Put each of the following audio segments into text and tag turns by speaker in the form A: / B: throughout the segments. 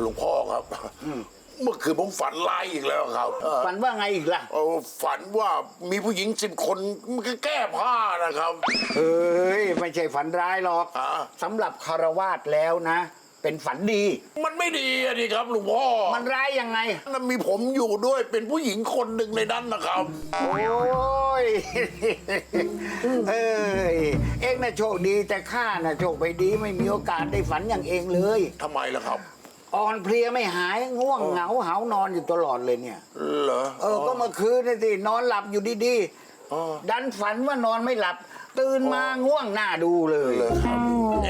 A: ลวงพ่อครับเมื่อคืนผมฝันร้ายอีกแล้วครับ
B: ฝันว่าไงอีกล่ะ
A: ฝันว่ามีผู้หญิง10 คนมันก็แก้ผ้านะครับ
B: เอ้ยไม่ใช่ฝันร้ายหรอก
A: อ่า
B: สำหรับคารวาสแล้วนะ เป็นฝันดี
A: มันไม่ดีอะดิครับหลวงพ่อ
B: มันร้ายยังไง
A: มันมีผมอยู่ด้วยเป็นผู้หญิงคนหนึ่งในนั้นนะครับ
B: โอ้ย เอ้ยเองน่ะโชคดีแต่ข้าน่ะโชคไม่ดีไม่มีโอกาสได้ฝันอย่างเองเลย
A: ทำไมล่ะครับ
B: อ่อนเพลียไม่หายง่วงเหงาหาวนอนอยู่ตลอดเลยเนี่ย
A: เหรอ
B: ก็เมื่อคืนนี่สินอนหลับอยู่ดี
A: อ๋อ
B: ๆดันฝันว่านอนไม่หลับ ตื่นมาง่วงหน้าดูเลย
A: เลยครับ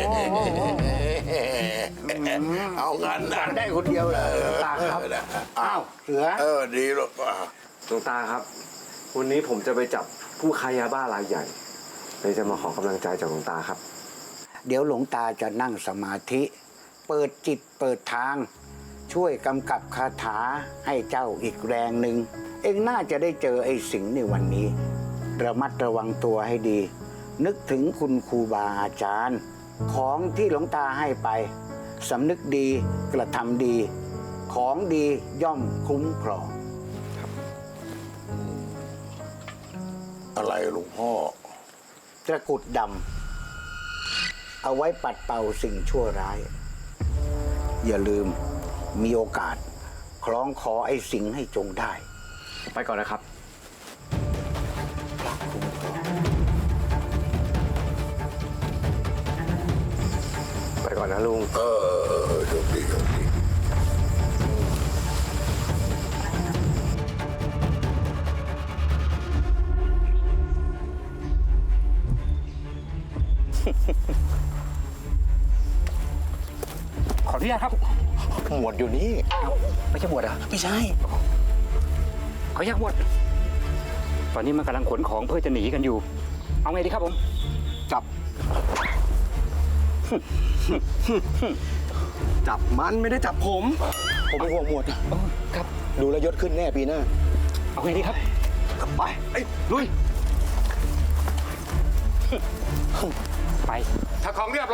A: เอางั้นนะ
B: ฝันได้คนเดียวเลยตาครับอ้าวเสือ
A: ดีหรอก
C: หลวงตาครับ วันนี้ผมจะไปจับผู้ค้ายาบ้ารายใหญ่เลยจะมาขอกำลังใจจากหลวงตาครับ
B: เดี๋ยวหลวงตาจะนั่งสมาธิ เปิดจิตเปิดทาง ช่วยกำกับคาถาให้เจ้าอีกแรงหนึ่งเองน่าจะได้เจอไอ้สิงห์ในวันนี้ ระมัดระวังตัวให้ดี นึกถึงคุณครูบาอาจารย์ ของที่หลวงตาให้ไปสำนึกดีกระทำดี ของดีย่อมคุ้มครอง
A: อะไรหลวงพ่อ
B: ตะกรุดดำเอาไว้ปัดเป่าสิ่งชั่วร้าย อย่าลืมมีโอกาส คล้องคอไอ้สิงให้จงได้
C: ไปก่อนนะครับ ไปก่อนนะลุง
A: โชคดีโชคดี
D: ขออนุญาตครับ
A: หมวดอยู่นี่
D: ไม่ใช่บวชเหรอ
A: ไม่ใช่
D: ขออนุญาตบวชตอนนี้มันกำลังขนของเพื่อจะหนีกันอยู่ เอาไงดีครับผม
C: จับ จับมันไม่ได้จับผม
E: ผมเป็นห่วงหมวด
D: ครับ
E: ดูแลวยศขึ้นแน่ปีหน้า
D: เอาไงดีครับ
C: ไปลุย
D: ไป ถ้าของเรียบร้อย